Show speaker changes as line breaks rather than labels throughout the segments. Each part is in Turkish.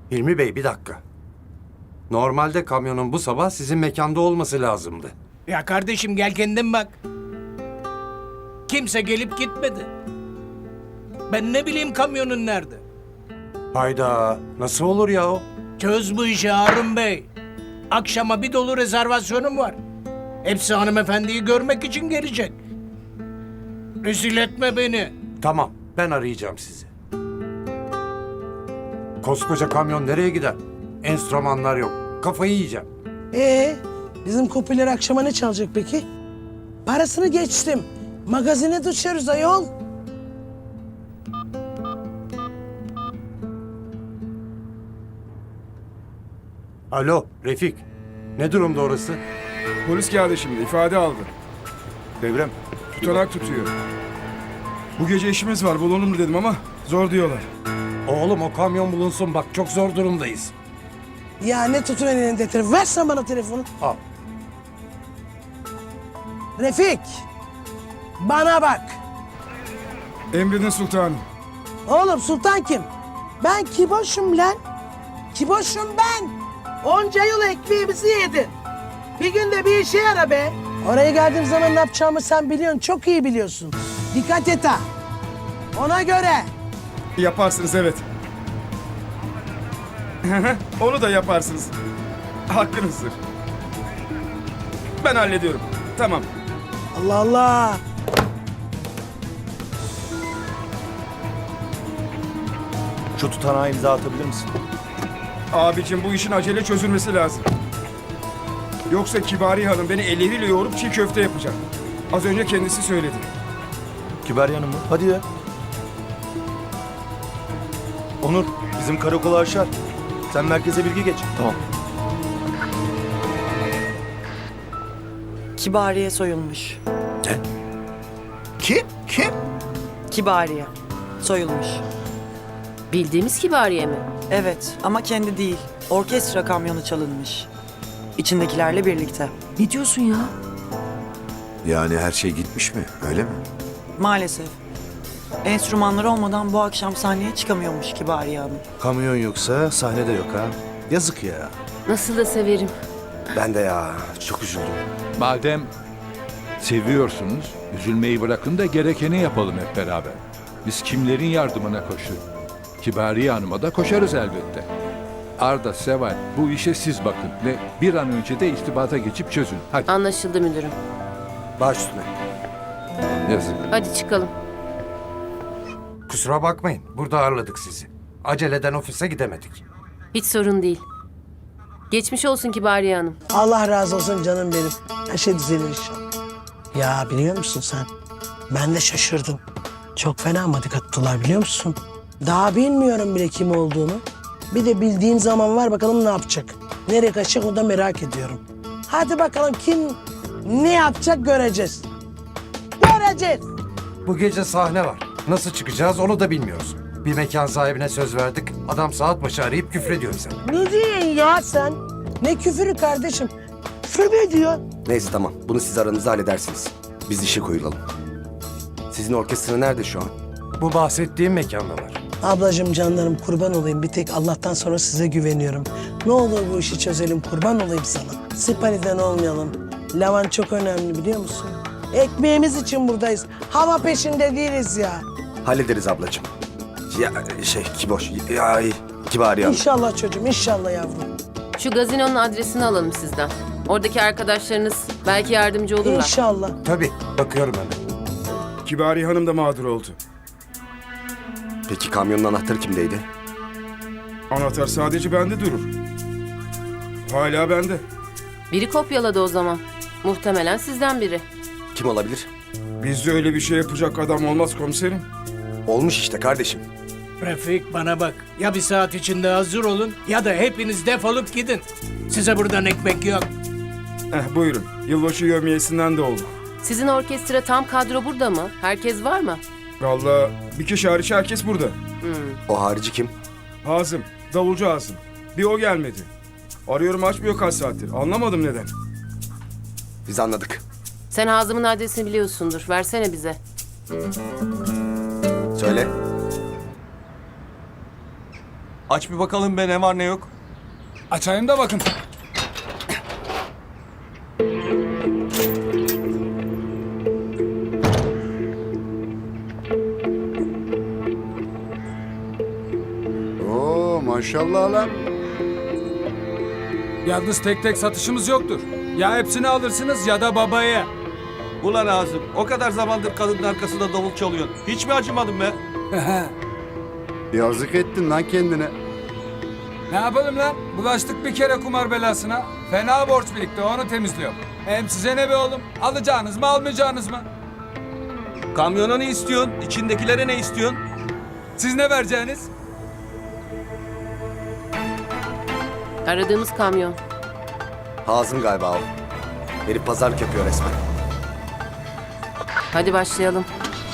Hilmi Bey bir dakika. Normalde kamyonun bu sabah sizin mekanda olması lazımdı.
Ya kardeşim gel kendin bak. Kimse gelip gitmedi. Ben ne bileyim kamyonun nerede?
Hayda, nasıl olur ya o?
Çöz bu işi Harun Bey. Akşama bir dolu rezervasyonum var. Hepsi hanımefendiyi görmek için gelecek. Rezil etme beni.
Tamam, ben arayacağım sizi. Koskoca kamyon nereye gider? Enstrümanlar yok. Kafayı yiyeceğim.
Bizim kupiler akşama ne çalacak peki? Parasını geçtim. Magazine düşeriz ayol.
Alo, Refik. Ne durumda orası?
Polis geldi şimdi, ifade aldı.
Devrem.
Tutanak tutuyor. Bu gece işimiz var, bulalım dedim ama zor diyorlar.
Oğlum o kamyon bulunsun bak, çok zor durumdayız.
Ya ne tutun elinde telefon. Versen bana telefonu.
Al.
Refik. Bana bak.
Emredin sultanım.
Oğlum Sultan kim? Ben Kiboş'um lan. Kiboş'um ben. Onca yıl ekmeğimizi yedin. Bir günde bir işe yara be. Oraya geldiğim zaman ne yapacağımı sen biliyorsun. Çok iyi biliyorsun. Dikkat et ha. Ona göre.
Yaparsınız evet. Onu da yaparsınız. Hakkınızdır. Ben hallediyorum. Tamam.
Allah Allah.
Şu tutanağa imza atabilir misin?
Abicim bu işin acele çözülmesi lazım. Yoksa Kibari Hanım beni elleriyle yoğurup çiğ köfte yapacak. Az önce kendisi söyledi.
Kibar Hanım mı? Hadi ya. Onur, bizim karakola aşar. Sen merkeze bilgi geç. Tamam.
Kibariye soyulmuş.
Kim? Kim?
Kibariye. Soyulmuş.
Bildiğimiz Kibariye mi?
Evet ama kendi değil. Orkestra kamyonu çalınmış. İçindekilerle birlikte.
Ne diyorsun ya?
Yani her şey gitmiş mi? Öyle mi?
Maalesef. Enstrümanlar olmadan bu akşam sahneye çıkamıyormuş Kibariye Hanım.
Kamyon yoksa sahne de yok ha. Yazık ya.
Nasıl da severim.
Ben de ya. Çok üzüldüm.
Madem seviyorsunuz, üzülmeyi bırakın da gerekeni yapalım hep beraber. Biz kimlerin yardımına koştuk? Kibariye Hanım'a da koşarız elbette. Arda, Seval, bu işe siz bakın ve bir an önce de irtibata geçip çözün. Hadi.
Anlaşıldı müdürüm.
Baş üstüne.
Yazık.
Hadi çıkalım.
Kusura bakmayın, burada ağırladık sizi. Aceleden ofise gidemedik.
Hiç sorun değil. Geçmiş olsun Kibariye Hanım.
Allah razı olsun canım benim. Her şey düzelir inşallah. Ya biliyor musun sen? Ben de şaşırdım. Çok fena madik attılar biliyor musun? Daha bilmiyorum bile kim olduğunu. Bir de bildiğim zaman var bakalım ne yapacak. Nereye kaçacak o da merak ediyorum. Hadi bakalım kim ne yapacak göreceğiz. Göreceğiz.
Bu gece sahne var. Nasıl çıkacağız onu da bilmiyoruz. Bir mekan sahibine söz verdik. Adam saat başı arayıp küfrediyor bize.
Ne diyorsun ya sen? Ne küfürü kardeşim? Küfür mü ediyor?
Neyse tamam. Bunu siz aranızda halledersiniz. Biz işe koyulalım. Sizin orkestra nerede şu an?
Bu bahsettiğim mekandalar.
Ablacığım canlarım kurban olayım. Bir tek Allah'tan sonra size güveniyorum. Ne olur bu işi çözelim kurban olayım sana. Sipariden olmayalım. Lavan çok önemli biliyor musun? Ekmeğimiz için buradayız. Hava peşinde değiliz ya.
Hallederiz ablacığım. Ya Kiboş. Ya Kibari Hanım.
İnşallah çocuğum inşallah yavrum.
Şu gazinonun adresini alalım sizden. Oradaki arkadaşlarınız belki yardımcı olurlar.
İnşallah.
Tabii, bakıyorum hemen.
Kibari Hanım da mağdur oldu.
Peki kamyonun anahtarı kimdeydi?
Anahtar sadece bende durur. Hala bende.
Biri kopyaladı o zaman. Muhtemelen sizden biri.
Kim olabilir?
Bizde öyle bir şey yapacak adam olmaz komiserim.
Olmuş işte kardeşim.
Refik bana bak. Ya bir saat içinde hazır olun ya da hepiniz defolup gidin. Size buradan ekmek yok.
Buyurun. Yılbaşı yevmiyesinden de oldu.
Sizin orkestra tam kadro burada mı? Herkes var mı?
Vallahi bir kişi hariç herkes burada.
O harici kim?
Hazım, davulcu Hazım. Bir o gelmedi. Arıyorum açmıyor kaç saattir. Anlamadım neden.
Biz anladık.
Sen Hazım'ın adresini biliyorsundur. Versene bize.
Söyle.
Aç bir bakalım be ne var ne yok.
Açayım da bakın.
Oo maşallah lan.
Yalnız tek tek satışımız yoktur. Ya hepsini alırsınız ya da babaya.
Ulan Azim o kadar zamandır kadının arkasında davul çalıyorsun. Hiç mi acımadın be?
Yazık ettin lan kendine.
Ne yapalım lan? Bulaştık bir kere kumar belasına. Fena borç birikti, onu temizliyorum. Hem size ne be oğlum? Alacağınız mı almayacağınız mı?
Kamyona ne istiyorsun? İçindekilere ne istiyorsun?
Siz ne vereceğiniz?
Aradığımız kamyon.
Hazım galiba o. Herif pazarlık yapıyor resmen.
Hadi başlayalım.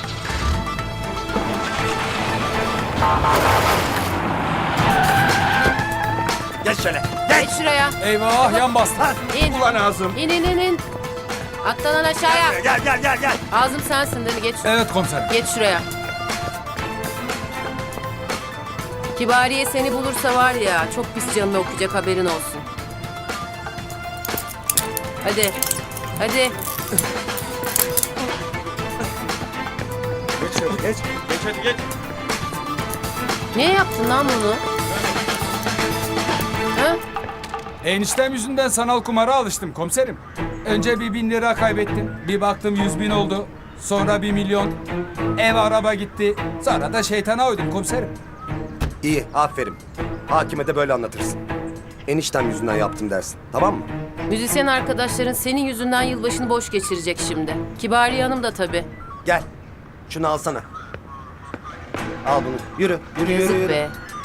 Geç şöyle.
Geç şuraya.
Eyvah yan bastı.
İn.
Ulan Azim.
İn. Atlanan aşağıya.
Gel.
Ağzım sensin değil mi? Geç.
Evet komiserim.
Geç şuraya. Kibariye seni bulursa var ya çok pis canını okuyacak, haberin olsun. Hadi. Hadi.
Geç hadi geç.
Niye yaptın lan bunu? Ha?
Eniştem yüzünden sanal kumara alıştım komiserim. Önce bir 1000 lira kaybettim. Bir baktım 100.000 oldu. Sonra 1 milyon. Ev araba gitti. Sonra da şeytana uydum komiserim.
İyi, aferin. Hakime de böyle anlatırsın. Eniştem yüzünden yaptım dersin. Tamam mı?
Müzisyen arkadaşların senin yüzünden yılbaşını boş geçirecek şimdi. Kibariye Hanım da tabii.
Gel. Şunu alsana. Al bunu. Yürü.
Yazık be.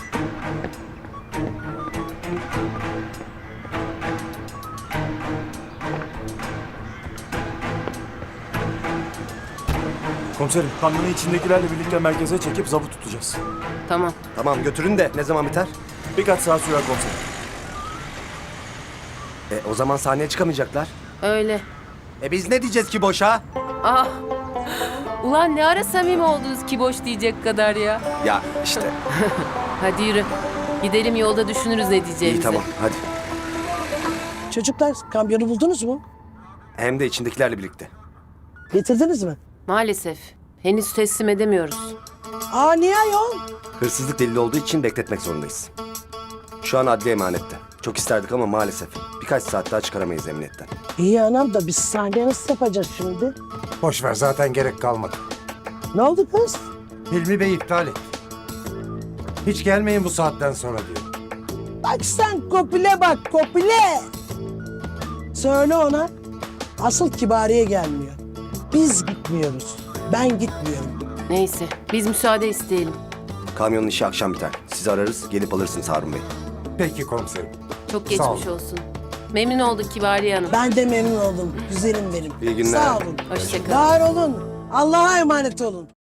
Komiserim kamyonu içindekilerle birlikte merkeze çekip zabıt tutacağız.
Tamam.
Tamam götürün de ne zaman biter?
Birkaç saat sürer komiserim.
O zaman sahneye çıkamayacaklar.
Öyle.
Biz ne diyeceğiz ki boşa?
Ah. Ulan ne ara samimi oldunuz ki boş diyecek kadar ya.
Ya işte.
Hadi yürü. Gidelim, yolda düşünürüz ne diyeceğimizi.
İyi tamam hadi.
Çocuklar kamyonu buldunuz mu?
Hem de içindekilerle birlikte.
Getirdiniz mi?
Maalesef. Henüz teslim edemiyoruz.
Aa niye ayol?
Hırsızlık delili olduğu için bekletmek zorundayız. Şu an adli emanette. Çok isterdik ama maalesef. Birkaç saat daha çıkaramayız emniyetten.
İyi anam da biz sahneye nasıl yapacağız şimdi?
Boş ver, zaten gerek kalmadı.
Ne oldu kız?
Hilmi Bey iptal etti. Hiç gelmeyin bu saatten sonra diyor.
Bak sen Kopil'e bak Kopil'e. Söyle ona. Asıl Kibariye gelmiyor. Biz gitmiyoruz. Ben gitmiyorum.
Neyse, biz müsaade isteyelim.
Kamyonun işi akşam biter. Sizi ararız, gelip alırsınız Harun Bey.
Peki komiserim.
Çok
Sağ
geçmiş
olun.
olsun. Memnun olduk Kibariye Hanım.
Ben de memnun oldum. Güzelim benim.
İyi günler.
Sağ olun.
Hoşça kalın.
Var olun. Allah'a emanet olun.